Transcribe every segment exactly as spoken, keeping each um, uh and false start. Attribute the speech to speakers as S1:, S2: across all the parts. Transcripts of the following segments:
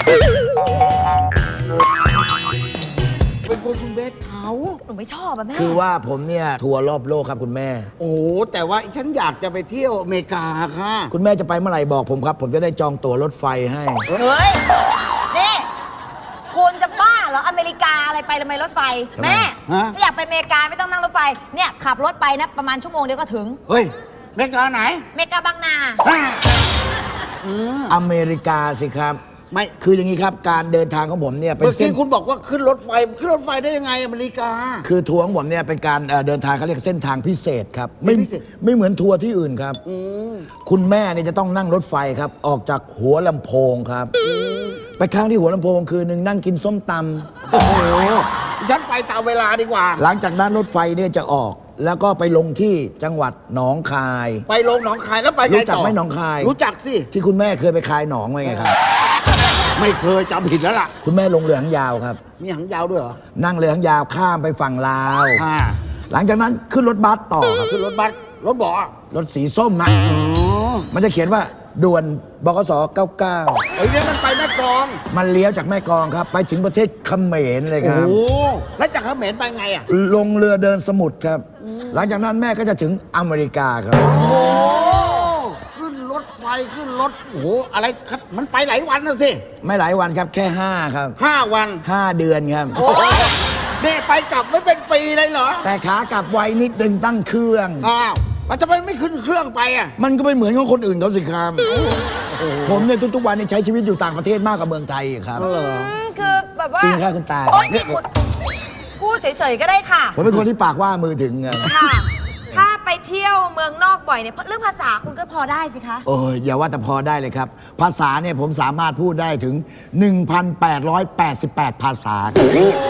S1: เป็นคนคุณเบสเขา
S2: หนูไม่ชอบอะแม่
S3: คือว่าผมเนี่ยทัวร์รอบโลกครับคุณแม่
S1: โอ้โหแต่ว่าฉันอยากจะไปเที่ยวอเมริกาค่ะ
S3: คุณแม่จะไปเมื่อไหร่บอกผมครับ ผมจะได้จองตั๋วรถไฟให้
S2: เฮ้ย นี่ คุณจะบ้าเหรอ อเมริกาอะไรไปทำไมรถไฟ
S3: ทำไม
S2: แม่
S1: ฮะ
S2: ถ้าอยากไปอเมริกาไม่ต้องนั่งรถไฟ เนี่ยขับรถไปนะประมาณชั่วโมงเดียวก็ถึง
S1: เฮ้ยอเมริกาไหน
S2: อเมริกาบางนา
S1: อืม
S3: อเมริกาสิครับ
S1: ไม่
S3: คืออย่างนี้ครับการเดินทางของผมเนี่ยเป็น
S1: เมื่อ
S3: เส้
S1: กี้
S3: น
S1: คุณบอกว่าขึ้นรถไฟขึ้นรถไฟได้ยังไงอเมริกา
S3: คือทัวร์ของผมเนี่ยเป็นการเอ่อเดินทางเขาเรียกเส้นทางพิเศษครับไม่
S1: พิเศษ
S3: ไม่เหมือนทัวร์ที่อื่นครับ คุณแม่เนี่ยจะต้องนั่งรถไฟครับ ออกจากหัวลำโพงครับ ไปค้างที่หัวลำโพงคืนหนึ่งนั่งกินส้มตำ
S1: โอ้โหฉันไปตามเวลาดีกว่า
S3: หลังจากนั้นรถไฟเนี่ยจะออก แล้วก็ไปลงที่จังหวัดหนองคาย
S1: ไปลงหนองคายแล้วไปไงต่อ
S3: รู้จักไหมหนองคาย
S1: รู้จักสิ
S3: ที่คุณแม่เคยไปคายหนองไว้ไงครับ
S1: ไม่เคยจำผิดแล้วล่ะ
S3: คุณแม่ลงเรือหางยาวครับ
S1: มีหางยาวด้วยเหรอ
S3: นั่งเรือหางยาวข้ามไปฝั่งลาว
S1: ค่ะ
S3: หลังจากนั้นขึ้นรถบัสต่อครับ
S1: ขึ้นรถบัสรถเบาะ
S3: รถสีส้มนะ
S1: อ๋อ
S3: มันจะเขียนว่าด่วนบกสเก้าเก้า
S1: ไอ้เนี่ยมันไปแม่กลอง
S3: มันเลี้ยวจากแม่กลองครับ ไปถึงประเทศเขมรเลยค
S1: โอ้
S3: รับ
S1: โหแล้วจากเขมรไปไงอ่ะ
S3: ลงเรือเดินสมุทรครับ หลังจากนั้นแม่ก็จะถึงอเมริกาครับ
S1: โอ้โหขึ้นรถไฟขึ้นรถโอ้โหอะไรครับมันไปหลายวันนะสิ
S3: ไม่หลายวันครับแค่ห้าครับ
S1: ห้าวัน
S3: ห้าเดือนครับ
S1: โอ้ยเนี่ยไปกลับไม่เป็นปีเลยเหรอ
S3: แต่ขากลับไวนิดนึงตั้งเครื่อง
S1: อ้าวมันจะไปไม่ขึ้นเครื่องไปอ่ะ
S3: มันก็ไม่เหมือนของคนอื่นเขาสิครับผมเนี่ยทุกๆวันเนี่ยใช้ชีวิตอยู่ต่างประเทศมากกว่าเมืองไทยอีกครับ
S1: เหรอ
S2: อืมคือแบบว่า
S3: จริงครับคุณตา
S2: โอ๊ยนี่คุณพูดเฉยๆก็ได้ค่ะ
S3: ผมเป็นคนที่ปากว่ามือถึงไง
S2: ค่ะ ถ้าไปเที่ยวเมืองนอกบ่อยเนี่ยเรื่องภาษาคุณก็พอได้สิคะ
S3: โอ้ยอย่าว่าแต่พอได้เลยครับ ภาษาเนี่ยผมสามารถพูดได้ถึง หนึ่งพันแปดร้อยแปดสิบแปด ภาษาครับ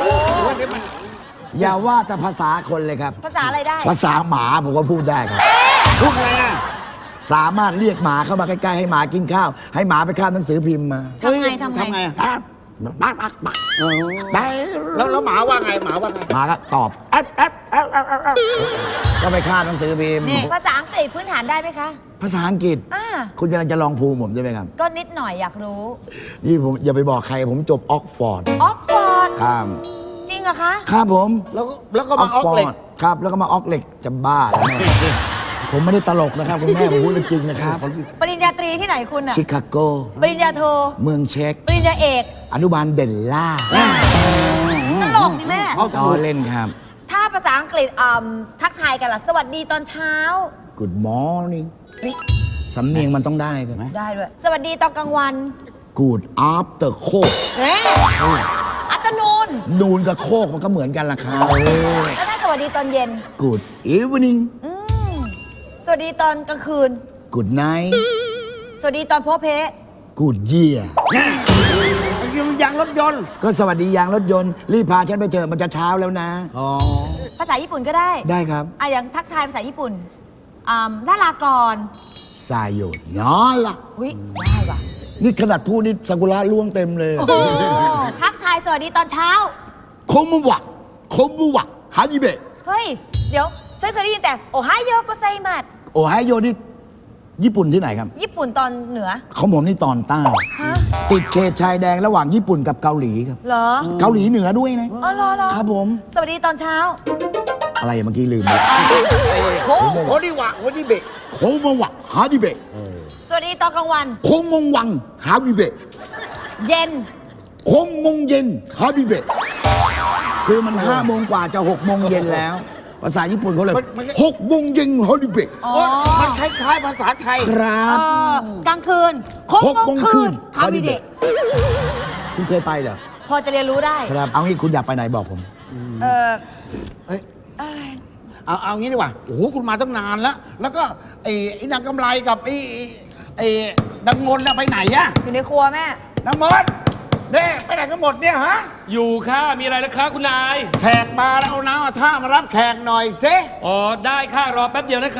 S3: อย่าว่าแต่ภาษาคนเลยครับ
S2: ภาษาอะไรได้
S3: ภาษาหมาผมก็พูดได้ครับ
S1: พูดไงอ่ะ
S3: สามารถเรียกหมาเข้ามาใกล้ๆให้หมากินข้าว ให้หมาไปข้ามหนังสือพิมพ์มา
S2: ทำไง
S1: เฮ้ย
S2: ทำไง
S1: ทำไงอะ
S3: ปั๊บปั๊บปั๊บปั๊บ
S1: เออ
S3: ได้
S1: แล้วแล้วหมาว่าไงหมาว่าไง
S3: หมาก็ตอบแอ๊บแอ๊บแอ๊บแอ๊บแอ๊บแอ๊บก็ไปข้ามหนังสือพิมพ์
S2: นี่ภาษาอังกฤษพื้นฐานได้ไหมคะ
S3: ภาษาอังกฤษ
S2: อ่า
S3: คุณกำลังจะลองภูมิผมใช่ไหมครับ
S2: ก็นิดหน่อยอยากรู้
S3: นี่ผมอย่าไปบอกใครผมจบออกฟอร์ด
S2: ออกฟอร์ด
S3: ครับ
S2: จริงเหรอคะ
S3: ครับผม
S1: แล้วก็แล้วก็มาออกเหล็ก
S3: ครับ แล้วก็มาออกเหล็กจะบ้าแล้วแม่ผมไม่ได้ตลกนะครับคุณแม่ผมพูดเรื่องจริงนะครับ
S2: ปริญญาตรีที่ไหนคุณอะ
S3: ชิคาโก
S2: ปริญญาโท
S3: เมืองเช็ก
S2: ปริญญาเอก
S3: อนุบาลเบลล่า
S2: ตลกนี่แม่
S1: เขาส
S3: ต่อ
S1: มุด
S3: เล่นครับ
S2: ถ้าภาษาอังกฤษอ่ำทักทายกันล่ะ สวัสดีตอนเช้า
S3: Good morning
S2: เฮ้ย
S3: สำเนียงมันต้องได้ครับ
S2: ได้ด้วย สวัสดีตอนกลางวัน
S3: Good after โคก
S2: เอ๊ะอัตโนน
S3: นูนกับโคกมันก็เหมือนกันละครับ
S2: แล้วถ้าสวัสดีตอนเย็น
S3: Good evening
S2: อืมสวัสดีตอนกลางคืน
S3: Good night
S2: สวัสดีตอนโพเพ
S3: Good year
S1: มันยังยางรถยนต์
S3: ก็สวัสดียางรถยนต์ รีบพาฉันไปเถอะมันจะเช้าแล้วนะ
S1: อ๋อ
S2: ภาษาญี่ปุ่นก็ได้
S3: ได้ครับ
S2: อ่ะอย่างทักทายภาษาญี่ปุ่นอ่าลาลาก่อน
S3: สายโยนยอละ
S2: อุ้ยได้ว่ะ
S3: นี่ขนาดพูดนี่ซากุระล่วงเต็มเลย
S2: โอ้โหทักทายสวัสดีตอนเช้า
S3: โคมุวะโคมุวะฮานิเบะ
S2: เฮ้ย เดี๋ยวฉันเคยได้ยินแต่ โอไฮโยโกไซมัส
S3: โอไฮโยนี่ญี่ปุ่นที่ไหนครับ
S2: ญี่ปุ่นตอนเหนือ
S3: ของผมนี่ตอนใต้
S2: ฮะ
S3: ติดเขตชายแดงระหว่างญี่ปุ่นกับเกาหลีครับ
S2: เหรอ
S3: เกาหลีเหนือด้วยนะ
S2: อ๋อเหรอเหรอ
S3: ครับผม
S2: สวัสดีตอนเช้า
S3: อะไรเมื่อกี้ลืมไป
S2: โอ้
S1: โคดิวะโคดิเบะ
S3: โคมุวะฮานิเบะ
S2: สวัสดีตอนกลางวัน
S3: โคงงวังฮานิเบะ
S2: เย็น
S3: โคงงงเย็นฮานิเบะคือมันห้าโมงกว่าจะหกโมงเย็นแล้ว ภาษาญี่ปุ่นเขาเลยหกโมงเย็นฮานิเบะ
S2: อ๋อ
S1: โอ๊ยมันคล้ายๆภาษาไทย
S3: ครับ
S2: เออกลางคืนโคง
S3: หก
S2: โม
S3: โม
S2: ง
S3: ง
S2: คื
S3: คื
S2: น
S3: น
S2: คาบิเดะ
S3: คุณเคยไปเหรอ
S2: พอจะเรียนรู้ได้
S3: ครับเอางี้คุณอยากไปไหนบอกผม
S2: เออ
S1: เอ้ย
S2: เอ้ย
S1: เอาเอางี้ดีกว่า โอ้โห คุณมาตั้งนานแล้ว แล้วก็ไอ้ไอ้นางกำไรกับไอ้ไอ้ไอ้นางมนต์น่ะไปไหนอะ
S2: อยู่ในครัวแม่
S1: นางมนต์เนี่ยไปไหนกันหมดเนี่ยฮะ
S4: อยู่ค่ะ มีอะไรนะคะคุณนาย
S1: แขกมาแล้วเอาน้ำเอาท่ามารับแขกหน่อยเซ
S4: อ๋อ ได้ค่ะ รอแป๊บเดียวนะคะ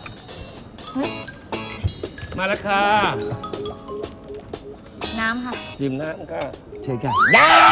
S4: มาแล้วค่ะ
S2: น้ำค่ะ
S4: จิมน้ำค่ะ
S3: เชิญครับ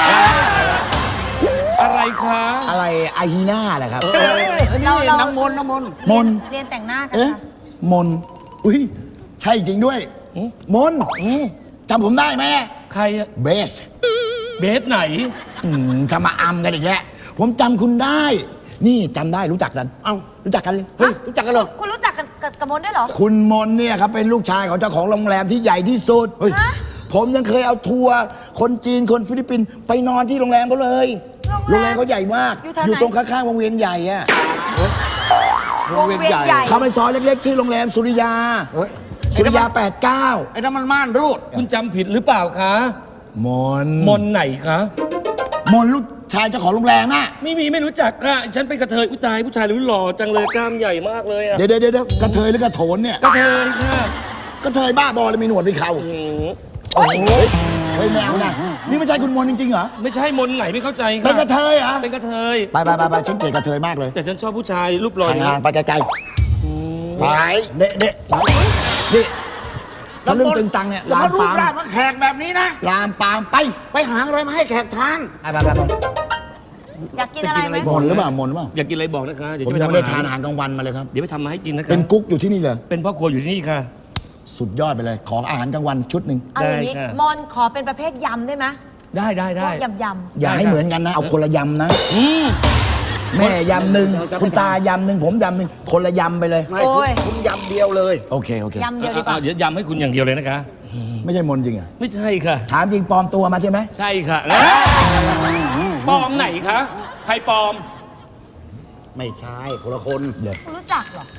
S4: อะไรคะ
S3: อะไรอาฮีน่าแหละครับ
S1: เอ้ยนี่
S2: เราเรา
S1: นางมนต์นางมนต์
S3: มนต์
S2: เรียนแต่งหน้ากัน
S3: เอ๊ะ
S2: ค่ะ
S3: มน อุ้ย ใช่จริงด้วย มนจำผมได้ไหม
S4: ใครอะ
S3: เบส
S4: เบสไหน
S3: อืมทำมาอำกันอีกแล้วผมจำคุณได้ นี่จำได้รู้จักกัน
S1: เอ้า
S3: รู้จักกันเลย
S1: เฮ้ยรู้จักกันเหรอ
S2: คุณรู้จักกับกับกับมนด้วยเหรอ
S3: คุณมนเนี่ยครับเป็นลูกชายของเจ้าของโรงแรมที่ใหญ่ที่สุด
S1: เฮ้ย
S2: ฮะ
S3: ผมยังเคยเอาทัวร์คนจีนคนฟิลิปปินส์ไปนอนที่โรงแรมเขาเลย
S2: โรงแรม
S3: โรงแรมเขาใหญ่มาก
S2: อยู่แถวไหน
S3: อยู่ตรงข้างๆวงเวียนใหญ่อะ
S1: วงเวียนใหญ่
S3: เขาไปซอยเล็กๆชื่อโรงแรมสุริยา
S1: เฮ้ย
S3: สุริยาแปดเก้า
S1: ไอ้นั่นมันม่านรูด
S4: คุณจำผิดหรือเปล่าคะ
S3: มน
S4: มนไหนคะ
S3: มนลูกชายเจ้าของโรงแรมอะ
S4: ไม่มีไม่รู้จักค่ะ ฉันเป็นกระเทยอุ้ยตายผู้ชายรู้หล่อจังเลยกล้ามใหญ่มากเลยอะ
S3: เดี๋ยวเดี๋ยวเดี๋ยวกระเทยหรือกระโถนเนี่ย
S4: กระเทยค่ะ
S3: กระเทยบ้าบอเลยมีหนวดมีเขา
S4: อืม
S3: โอ้โหเฮ้ยแมวนะนี่ไม่ใช่คุณมนจริงๆเหรอ
S4: ไม่ใช่มนไหนไม่เข้าใจค่ะ
S3: เป็นกระเทยเหรอ
S4: เป็นกระเทย
S3: ไปไปไปไปฉันเกลียดกระเทยมากเลย
S4: แต่ฉันชอบผู้ชายรูปหล่ออย่าง
S3: ห่า
S4: นี้
S3: งๆไปไกลๆไปเด็ดเด็ดนี่ทะลึ่งตึงตังเนี่ย
S1: อย่า
S3: ลาม
S1: มารู
S3: ปา
S1: ป
S3: ม
S1: ร่างมาแขกแบบนี้นะ
S3: ลามปามไป
S1: ไปหาอะไรมาให้แขกทาน
S3: ไปไปไปไป
S2: อยากกินอะไรไหม
S3: มนหรือเปล่ามนหรือเปล่า
S4: อยากกินอะไรบอกนะคะ เดี๋ยว
S3: ผม
S4: จะไป
S3: ยัง
S4: ทำ
S3: ไม่ได้
S4: อา
S3: ทา
S4: หาร
S3: นอาหารกลางวันมาเลยครับ
S4: เดี๋ยวไปทำมาให้กินนะคะ
S3: เป็นกุ๊กอยู่ที่นี่เลย
S4: เป็นพ่อครัวอยู่ที่นี่ค่ะ
S3: สุดยอดไปเลย ของอาหารกลางวันชุดหนึ่ง
S2: เอาอย่างนี้
S4: ได้ค่ะ
S2: มนขอเป็นประเภทยำได้ไหม
S4: ได้ได้
S2: พ
S4: ได้
S2: วกยำย
S3: อย่าให้เหมือนกันนะ เอาคนละยำนะ
S4: อืม
S3: แม่ยำหนึ่งคุณตายำหนึ่งผมยำหนึ่งคนละยำไปเลย
S1: ไม่คุณคุณยำเดียวเลย
S3: โอเคโอเค
S2: ำยำเดียวดีกว่า
S4: อ่ะเดี๋ยวยำให้คุณอย่างเดียวเลยนะคะ
S3: ไม่ใช่มนจริงเหรอ
S4: ไม่ใช่ค่ะ
S3: ถามจริงปลอมตัวมาใช่ไหม
S4: ใช่ค่ะปลอมไหนคะ ใครปลอม
S1: ไม่ใช่คนละคน
S3: เดี๋ยว
S2: คุณรู้จักเหรอ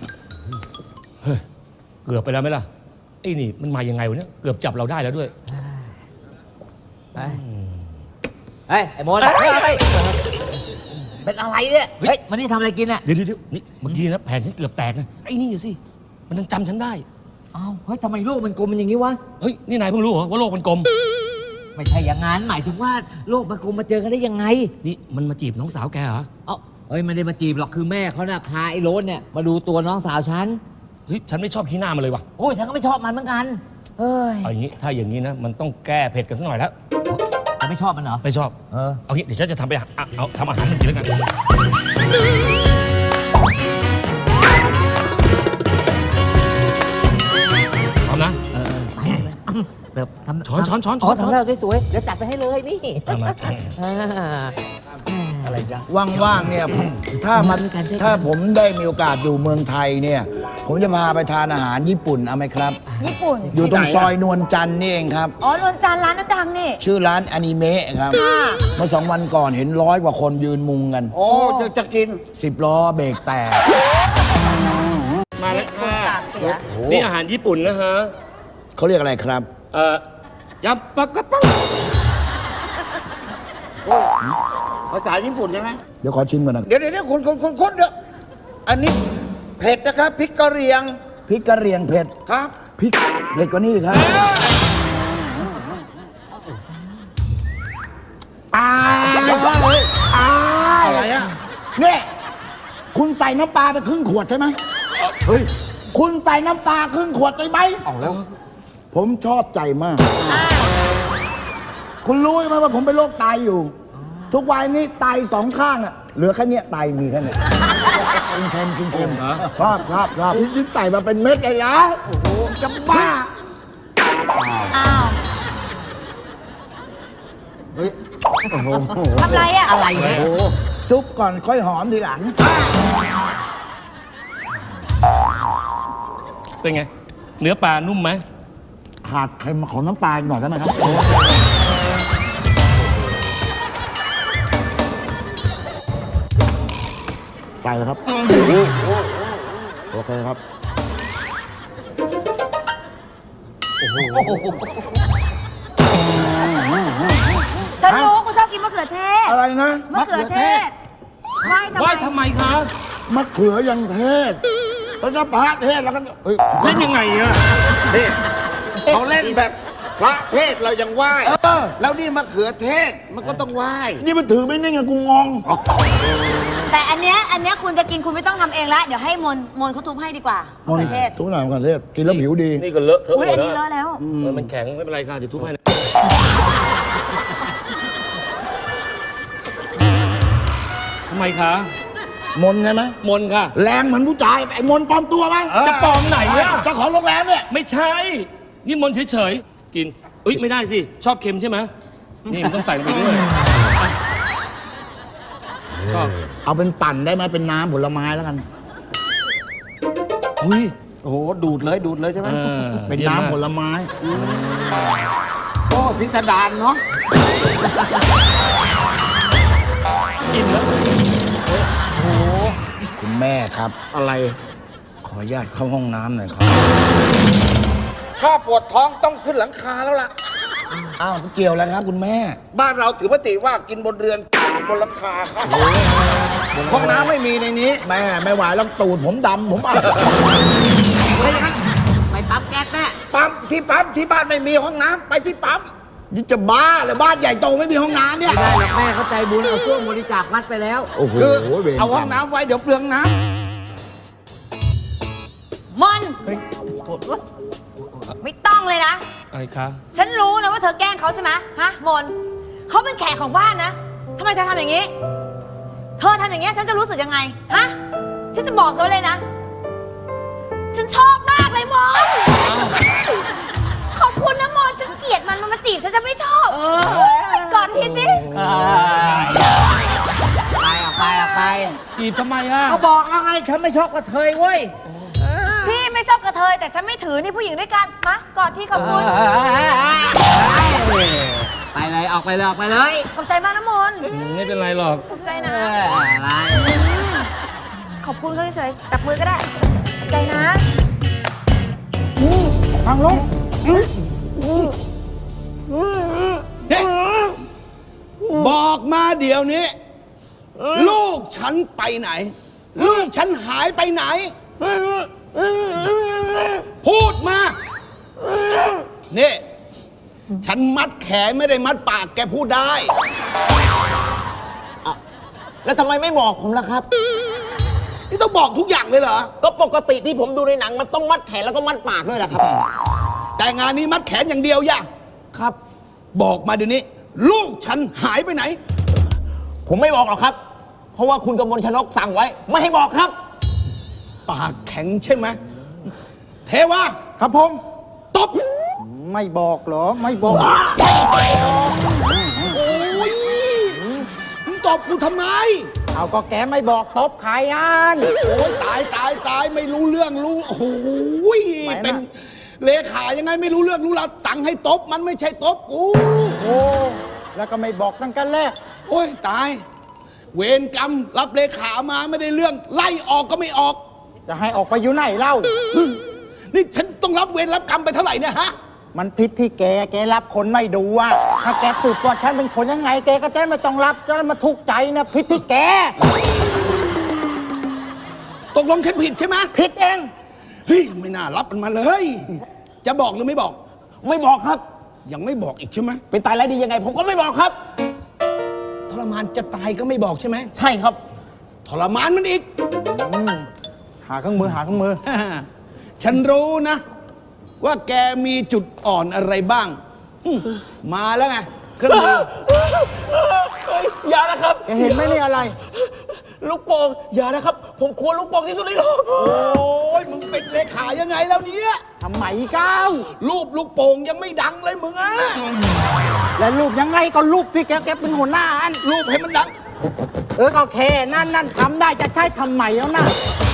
S4: เกือบไปแล้วไหมล่ะ ไอ้นี่มันมายังไงวะเนี่ย เกือบจับเราได้แล้วด้วย
S5: เฮ้ยเฮ้ย ไอ้โมนเฮ้ยเฮ้ยเป็นอะไรเนี่ย
S4: เฮ้ย
S5: เฮ้ย มันนี่ทำอะไรกินเนี่ย
S4: เดี๋ยวเดี๋ยวเดี๋ยวนี่เมื่อกี้นะแผนฉันเกือบแตกนะ ไอ้นี่สิ มันยังจำฉันได้
S5: อ้าว เฮ้ย ทำไมโลกมันกลมมันอย่างนี้วะ
S4: เฮ้ย นี่นายเพิ่งรู้เหรอว่าโลกมันกลม
S5: ไม่ใช่อย่างนั้น หมายถึงว่าโลกมันกลมมาเจอกันได้ยังไง
S4: นี่มันมาจีบน้องสาวแกเหรอ
S5: เอ้าเฮ้ย ไม่ได้มาจีบหรอก คือแม่เขาน่ะพาไอ้โรสเนี่ยมาดูตัวน้องสาวฉัน
S4: เฮ้ย ฉันไม่ชอบขี้หน้ามันเลยว่ะ
S5: โอ้ย ฉันก็ไม่ชอบมันเหมือนกัน เฮ้ย
S4: เอาอย่างนี้ ถ้าอย่างนี้นะ มันต้องแก้เผ็ดกันสักหน่อยแล้ว
S5: จะไม่ชอบมันเหรอ
S4: ไม่ชอบ
S5: เออ
S4: เอางี้เดี๋ยวฉันจะทำไปหาอ่ะเอาทำอาหารมันกินแล้วกัน พร้อมนะ
S5: เออไปเสิร์ฟทำ
S4: ช้อนช้อนช้อนช้
S5: อ๋
S4: อ
S5: อน ทำแล้วสวยๆ เดี๋ยวจัดไปให้เลยนี่
S4: เอามา
S5: อ่า
S3: อะไรจ๊ะว่างๆเนี่ยผมถ้ามัน
S5: ช่วยกันช่วยกัน
S3: ถ้าผมได้มีโอกาสอยู่เมืองไทยเนี่ย ผมจะพาไปทานอาหารญี่ปุ่นเอาไหมครับ
S2: ญี่ปุ่น
S3: อยู่ตรง
S1: ที่ไหนอะ
S3: ซอยนวลจันทร์นี่เองครับ
S2: อ๋อนวลจันทร์ร้านน้ำดังนี่
S3: ชื่อร้านอนิเมะครับ
S2: ค่ะ
S3: เมื่อสองวันก่อนเห็นร้อยกว่าคนยืนมุงกัน
S1: โอ้จะจะกิน
S3: สิบล้อเบรกแตก
S4: มาแล้ว
S2: คุณ
S4: ค่ะ
S2: ปากเสีย
S4: นี่อาหารญี่ปุ่นนะฮะ
S3: เขาเรียกอะไรครับ
S4: เอ่อยำปลากระป๋อง
S1: ภาษาญี่ปุ่นใช่ไหม
S3: เดี๋ยวขอชิมก่อนนะ
S1: เดี๋ยวเดี๋ยวเดี๋ยวคุณคุณคุณคุณเดี๋ยวอันนี้เผ็ดนะครับพริกกะเหรี่ยง
S3: พริกกระเหรียงเผ็ด
S1: ครับ
S3: พริกเผ็ดกว่านี้อีกครับอาย อาย
S1: อะไรอ่ะ
S3: เนี่ยคุณใส่น้ำปลาไปครึ่งขวดใช่ไหม
S1: เฮ้ย
S3: คุณใส่น้ำปลาครึ่งขวดใช่ไหม
S1: เอาแล้ว
S3: ผมชอบใจมาก คุณรู้ไหมว่าผมเป็นโรคไตอยู่ ทุกวันนี้ไตสองข้างอะเหลือแค่เนี้ยไตมีแค่เนี้ยกินเค็มกินเค็มชอบชอบชอบนี่ใส่มาเป็นเม็ดเลยนะโอ้โหจะบ้า
S2: อ้าว
S1: เฮ้ย โอ้โห
S2: ทำไรอ่ะ
S5: อะไรเนี่ย
S1: โอ้โห
S3: จุ๊บก่อนค่อยหอมทีหลัง
S4: เป็นไง เนื้อปลานุ่มไหม
S3: ขาดเค็มของน้ำปลาหน่อยได้ไหมครับ ไปเลยครับ โอเคครับ
S2: ฉันรู้คุณชอบกินมะเขือเทศ
S3: อะไรนะ
S2: มะเขือเทศไหว้ทำไม
S4: ว่ายทำไมคะ
S3: มะเขือยังเทศแล้วก็พระเทศแล้วก็เฮ้ย
S4: เล่นยังไงอะ
S1: เทศเขาเล่นแบบพระเทศเรายังไหว้
S3: เออ
S1: แล้วนี่มะเขือเทศมันก็ต้องไหว้
S3: นี่มันถือไม่นิ่งอะกูงง
S2: แต่อันเนี้ยอันเนี้ยคุณจะกินคุณไม่ต้องทำเองละเดี๋ยวให้มนมนเขาทุบให้ดีกว่ามะเขือเทศ
S3: ทุกหน่อยมะเขือเทศกินแล้วผิวดี
S4: นี่ก็เลอะเทอะ
S2: อุ้ย
S4: หม
S2: อั
S4: ด
S2: นนี้เล
S4: แล้ว
S2: อะแล้ว
S4: เออมันแข็งไม่เป็นไรค่ะเดี๋ยวทุบให้นะทำไมคะ
S3: มนใช่ไหม
S4: มนค่ะ
S3: แรงเหมือนผู้ชายไอ้มนปลอมตัวไหม
S4: จะปลอมไหนอะ
S3: เจ้าของโรงแรมเนี่ย
S4: ไม่ใช่ นี่มนเฉยๆ กินเอ้ยไม่ได้สิ ชอบเค็มใช่ไหมนี่มันต้องใส่ลงไปด้วยชอบ
S3: เอาเป็นปั่นได้ไหมเป็นน้ำผลไม้แล้วกัน
S4: อุ้ย
S1: โอ้โหดูดเลยดูดเลยใช่ไหม
S4: เออ
S3: เป็น
S4: ยี่ยม
S3: น้ำ
S4: มาก
S3: ผลไม้
S1: โอ้พิสดารเนาะ
S3: คุณแม่ครับ
S1: อะไร
S3: ขออนุญาตเข้าห้องน้ำหน่อยครับ
S1: ถ้าปวดท้องต้องขึ้นหลังคาแล้วล่ะ
S3: อ้าวเกี่ยวแล้วครับคุณแม่
S1: บ้านเราถือปฏิว่ากินบนเรือนบนหลังคาครับห้องน้ำไม่มีในนี้
S3: แม่ไม่ไหวแล้วตูดผมดำผมอ่ะ
S5: ไปปั๊มแก๊สแม่
S1: ปั๊มที่ปั๊มที่บ้านไม่มีห้องน้ำไปที่ปั๊ม
S3: นี่จะบ้าเลยบ้านใหญ่โตไม่มีห้องน้ำเนี่ย
S5: ไม่ได้หรอกแม่เข้าใจบุญเอาช่วงบริจาควัดไปแล้ว
S3: โอ้โห
S1: คือ
S3: วรกรรม
S1: เอาห้องน้ำไว้เดี๋ยวเปลืองน้
S2: มอนไม่ต้องเลยนะ
S4: อะไรคะ
S2: ฉันรู้นะว่าเธอแกล้งเขาใช่ไหมฮะมนเขาเป็นแขกของบ้านนะทำไมเธอทำอย่างนี้ เธอทำอย่างนี้ฉันจะรู้สึกยังไงฮะฉันจะบอกเธอเลยนะ ฉันชอบมากเลยมนขอบคุณนะมนฉันเกลียดมันมันมาจีบฉันฉันไม่ชอบกอดทีสิ
S5: ไปออกไปออกไป
S4: จีบทำไมอ่ะ
S5: เขาบอกแล้วไงฉันไม่ชอบกระเทยเว้ย
S2: พี่ไม่ชอบกระเทยแต่ฉันไม่ถือนี่ผู้หญิงด้วยกันมากอดที่ขอบคุณ
S5: ไปเลยออกไปเลยออกไปเลย
S2: ขอบใจมากนะมน
S4: อืมไม่เป็นไรหรอก
S2: ขอบใจนะ
S5: อะไร
S2: ขอบคุณเขาเฉยๆจับมือก็ได้ขอบใจนะ
S3: ทางลง
S1: บอกมาเดี๋ยวนี้ ลูกฉันไปไหน ลูกฉันหายไปไหน พูดมา นี่ ฉันมัดแขนไม่ได้มัดปากแกพูดได้
S5: แล้วทำไมไม่บอกผมล่ะครับ
S1: นี่ต้องบอกทุกอย่างเลยเหรอ
S5: ก็ปกติที่ผมดูในหนังมันต้องมัดแขนแล้วก็มัดปากด้วยนะครับ
S1: แต่งานนี้มัดแขนอย่างเดียวย่ะ
S5: ครับ
S1: บอกมาเดี๋ยวนี้ ลูกฉันหายไปไหน
S5: ผมไม่บอกหรอกครับ เพราะว่าคุณกมลชนกสั่งไว้ ไม่ให้บอกครับ
S1: ปากแข็งใช่ไหม เทวา
S3: ครับผม
S1: ตบ
S3: ไม่บอกเหรอ ไม่บอก
S1: โอ้ยมึงตบกูทำไม
S3: เอาก็แกไม่บอกตบใครอัน
S1: โอ้ยตายตายตายไม่รู้เรื่องรู้ โอ้โหย
S3: ไหนน่ะ
S1: เป็นเลขายังไงไม่รู้เรื่องรู้ราวสั่งให้ตบมันไม่ใช่ตบกู
S3: โอ้แล้วก็ไม่บอกตั้งแต่แรก
S1: โอ้ยตาย เวรกรรมรับเลขามาไม่ได้เรื่อง ไล่ออกก็ไม่ออก
S3: จะให้ออกไปอยู่ไหนเล่า
S1: นี่ฉันต้องรับเวรรับกรรมไปเท่าไหร่เนี่ยฮะ
S3: มันผิดที่แก แกรับคนไม่ดูอ่ะ ถ้าแกสืบว่าฉันเป็นคนยังไง แกก็จะไม่ต้องรับจะมาทุกข์ใจนะผิดที่แก
S1: ตกลงฉันผิดใช่ไหม
S3: ผิดเอง
S1: เฮ้ยไม่น่ารับมันมาเลย จะบอกหรือไม่บอก
S5: ไม่บอกครับ
S1: ยังไม่บอกอีกใช่ไหม
S5: เป็นตายแล้วดียังไง ผมก็ไม่บอกครับ
S1: ทรมานจะตายก็ไม่บอกใช่ไหม
S5: ใช่ครับ
S1: ทรมานมันอีก
S3: หาเครื่องมือหาเครื่องมือ
S1: ฉันรู้นะ ว่าแกมีจุดอ่อนอะไรบ้างอืมมาแล้วไงเครื่องมือ
S5: อย่านะครับ
S3: แกเห็นไหมนี่อะไร
S5: ลูกโป่งอย่านะครับ ผมกลัวลูกโป่งที่สุดในโลก
S1: โอ้ยมึงเป็นเลขายังไงแล้วเนี่ย
S3: ทำไมก้าว
S1: รูปลูกโป่งยังไม่ดังเลยมึงอะ
S3: และรูปยังไงก็รูปที่แกแกเป็นหัวหน้าอัน
S1: รูปให้มันดัง
S3: เออก็แค่นั่นนั่นทำได้จะใช้ทำไมแล้วนะ